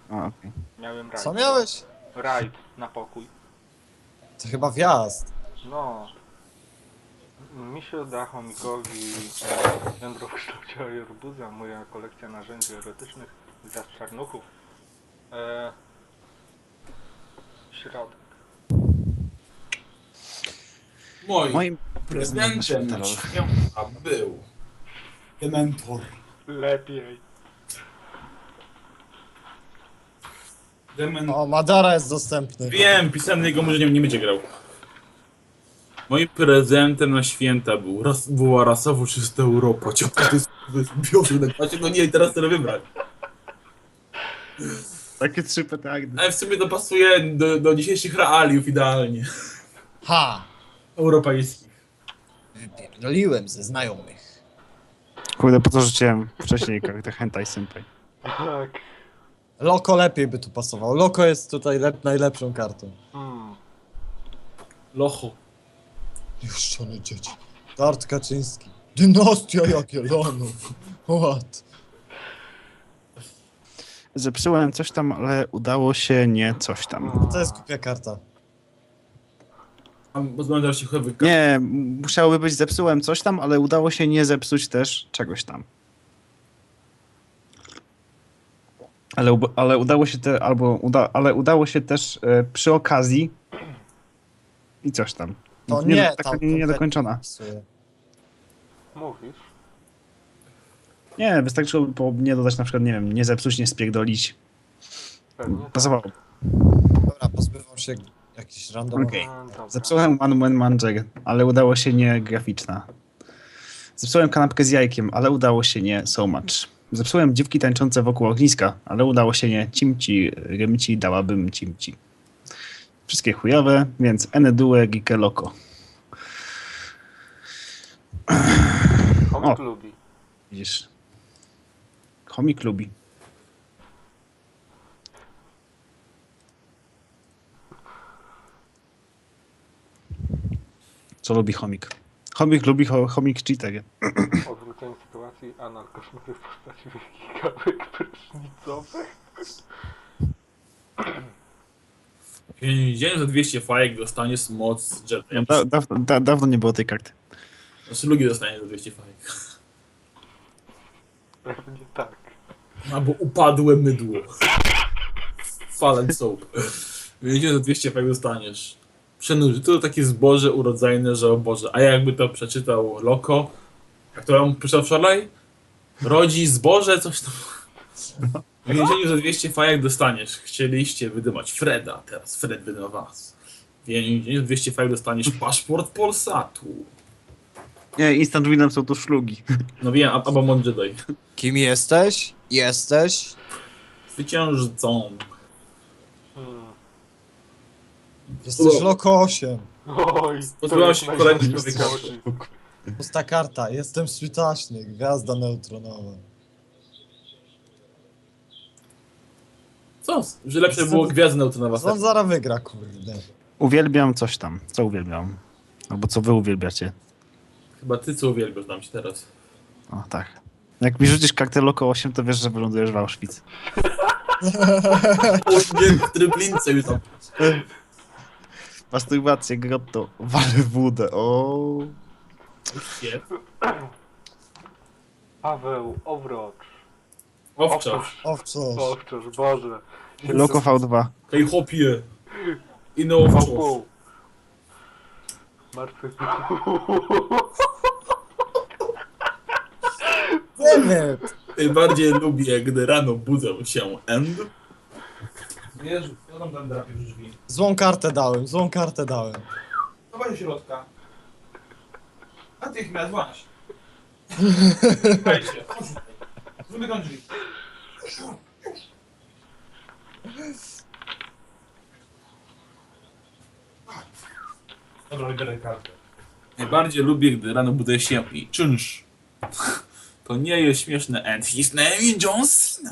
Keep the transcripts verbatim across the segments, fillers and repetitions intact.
A, okej. Miałem rajd. Co miałeś? Rajd na pokój. To chyba wjazd. No. Mi się uda chomikowi jądro w kształcie arbuza, moja kolekcja narzędzi erotycznych, gwiazd czarnuchów. E, środek. Moim Moim prezydentem na święta był Dementor. Lepiej. Dementor. O, Madara jest dostępny. Wiem, pisemny jego może nie, nie będzie grał. Moim prezentem na święta był ras, była rasowo czysta Europa. Ciągle to jest, to jest biorze na klasie, no nie, teraz chcę wybrać. Takie trzy petardy. Ale w sumie to pasuje do, do dzisiejszych realiów idealnie. Ha! Europejskich. Wypierdoliłem ze znajomych. Kurde, po co rzuciłem wcześniej kartę Hentai Senpai. Tak. Loko lepiej by tu pasował. Loko jest tutaj lep najlepszą kartą. Hmm. Locho. Niechrzczone dzieci. Dart Kaczyński. Dynastia Jagiellonów. What? Zepsułem coś tam, ale udało się nie coś tam. To jest głupia karta. A pozbędę się chyba Nie, musiałoby być zepsułem coś tam, ale udało się nie zepsuć też czegoś tam. Ale, ub- ale udało się te, albo uda, ale udało się też e, przy okazji i coś tam. To nie, nie, taka tam nie, kompletnie niedokończona. pasuje. Mówisz? Nie, wystarczyłoby po nie dodać na przykład, nie wiem, nie zepsuć, nie spierdolić. Pewnie tak. Pasowało. Dobra, pozbywam się jakichś randomowych. Okej. Mm, dobra. Zepsułem One Man Manger, ale udało się nie graficzna. Zepsułem kanapkę z jajkiem, ale udało się nie so much. Zepsułem dziewki tańczące wokół ogniska, ale udało się nie cimci, rymci, dałabym cimci. Wszystkie chujowe, więc ene due gike loco. Chomik O. lubi. Widzisz? Chomik lubi. Co lubi chomik? Chomik lubi cho chomik cheater. Odwrócenie sytuacji, anal koszmary w postaci wielkich kawek prysznicowych. Dzień za dwieście fajek dostaniesz moc z jetem. Da, da, da, dawno nie było tej karty. Znaczy lugi dostanie za dwieście fajek. Pewnie tak. Albo upadłe mydło. Fallen soap. Wiedziałem, za dwieście fajek dostaniesz. Przenuży. To takie zboże urodzajne, że o Boże. A jakby to przeczytał Loko, jak to on przeczytał wczoraj? Rodzi zboże, coś tam. W więzieniu za dwieście fajek dostaniesz. Chcieliście wydymać Freda, teraz Fred wydyma was. W więzieniu za dwieście fajek dostaniesz paszport Polsatu. Nie, instant winem są to szlugi. No wiem, a- albo Mon Jedi. Kim jesteś? Jesteś? Zwyciężcą. Hmm. Jesteś Loko osiem. Oj, Pozbyłam jest się kolejnych najgorszy człowieka. skałczyk. Pusta karta. Jestem switaśny. Gwiazda neutronowa. Co? Że lepsze było gwiazdy neutronowa. On zaraz wygra, kurde. Uwielbiam coś tam. Co uwielbiam? Albo co wy uwielbiacie? Chyba ty co uwielbiasz dam ci teraz. O, tak. Jak mi rzucisz kartę Loko osiem, to wiesz, że wylądujesz w Auschwitz. O nie, w tryblince już tam. Masturbację, grotto, wale wódę, o. Jest. Paweł, Owrocz. Owczarz. Owczarz. Owczarz, Boże. Loko V dwa. Hej hopie. I no owczarz. Pół. Martwy Nie wiem. Najbardziej lubię, gdy rano budzę się end. Jezu, ja tam tam drapię w drzwi. Złą kartę dałem, złą kartę dałem. Dawaj do środka. Natychmiast, właśnie. Wejdźcie, chodź tutaj. Zamykam drzwi. Dobra, wybieraj kartę. Najbardziej lubię, gdy rano budzę się i czynsz. To nie jest śmieszne and his name is John Cena.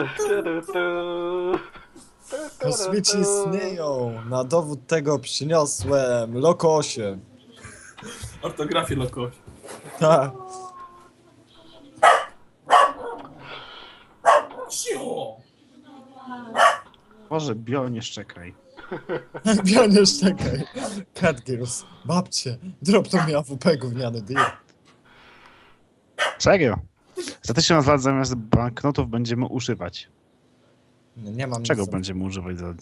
Kosmici istnieją. Na dowód tego przyniosłem Loko osiem. Ortografię lokoś. Tak. Cio! Boże, Bio, nie szczekaj. Bianiesz, czekaj. Catgirls, babcie, dropną mi A W P gówniany deal. Serio? Za tysiąc lat zamiast banknotów będziemy używać. Nie, nie mam Czego nic. będziemy używać za...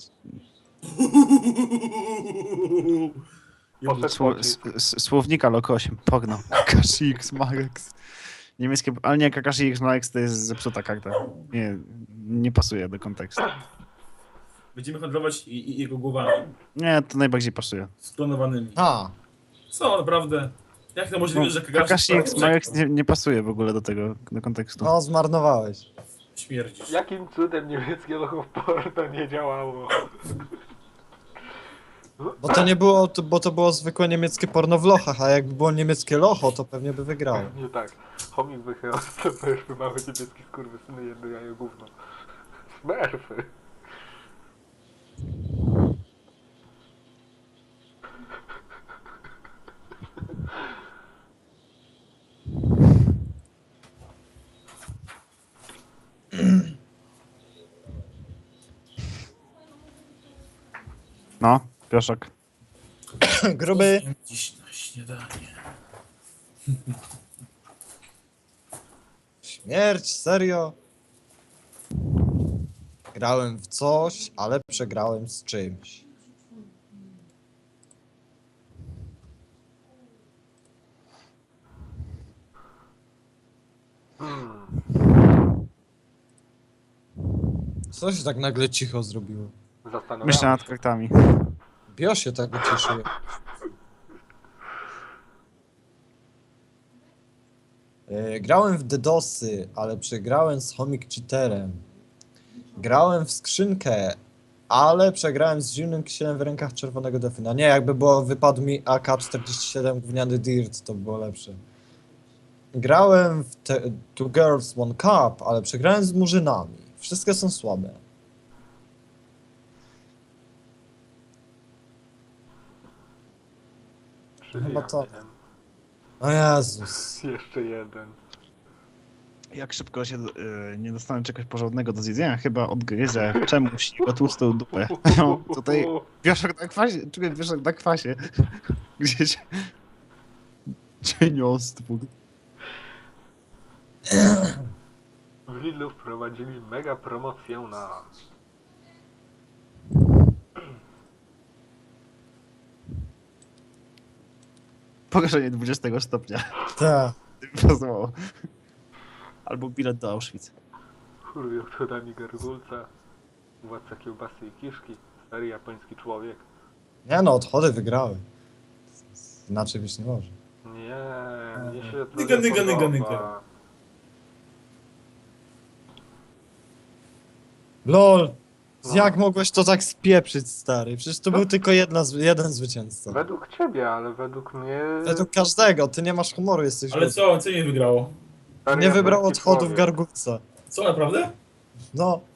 Poszedł Sło, pocisk. s, s, słownika Lok osiem, pogno. Kakashi X Max. Niemieckie... Ale nie, Kakashi X Max to jest zepsuta karta. Nie, nie pasuje do kontekstu. Będziemy handlować i, i jego głowami Nie, to najbardziej pasuje. sklonowanymi. A, Co, naprawdę? Jak to możliwe, No, że Kakashi Kakashi X Max nie, nie pasuje w ogóle do tego, do kontekstu. no zmarnowałeś. śmierdzisz? Jakim cudem niemieckie logo w porno nie działało? Bo to nie było, to, bo to było zwykłe niemieckie porno w lochach, a jakby było niemieckie locho, to pewnie by wygrało. Nie tak. Chomik wychylał, to smurfy, małe niebieskie skurwysyny, jedno jajo gówno. Smurfy. No, Pioszek. Gruby. Jem dziś na śniadanie. Śmierć, serio? Grałem w coś, ale przegrałem z czymś. Hmm. Co się tak nagle cicho zrobiło? Zastanawiam Myślę się. nad kartami. Bio się tak ucieszył. E, Grałem w DDoSy, ale przegrałem z Homik Cheaterem. Grałem w skrzynkę, ale przegrałem z zimnym kisielem w rękach czerwonego Defina. Nie, jakby było, wypadł mi A K czterdzieści siedem gówniany Dirt, to by było lepsze. Grałem w te, Two Girls One Cup, ale przegrałem z murzynami. Wszystkie są słabe. Czyli Chyba ja to- wiem. O Jezus. Jeszcze jeden. Jak szybko się y, nie dostanę czegoś porządnego do zjedzenia, chyba odgryzę czemuś jego tłustą dupę. No, tutaj Pioszek na kwasie, czuję Pioszek na kwasie. Gdzieś... Cieniostwo. W Lidlu wprowadzili mega promocję na... Pogorszenie dwudziestego stopnia. Tak. Pasowało. Albo bilet do Auschwitz. Churuj odchodami gargulca. Władca kiełbasy i kiszki. Stary japoński człowiek. Nie no, odchody wygrały. Inaczej być nie może. Nie, mnie się to Nyga, nie nyga, nyga, podoba. nyga. LOL! No. Jak mogłeś to tak spieprzyć, stary? Przecież to No. był tylko jedna, z- jeden zwycięzca. Według ciebie, ale według mnie... Według każdego, ty nie masz humoru, jesteś Ale głupi. co, co nie wygrało? stary Nie wybrał japoński odchodów człowiek. gargulca. Co, naprawdę? No,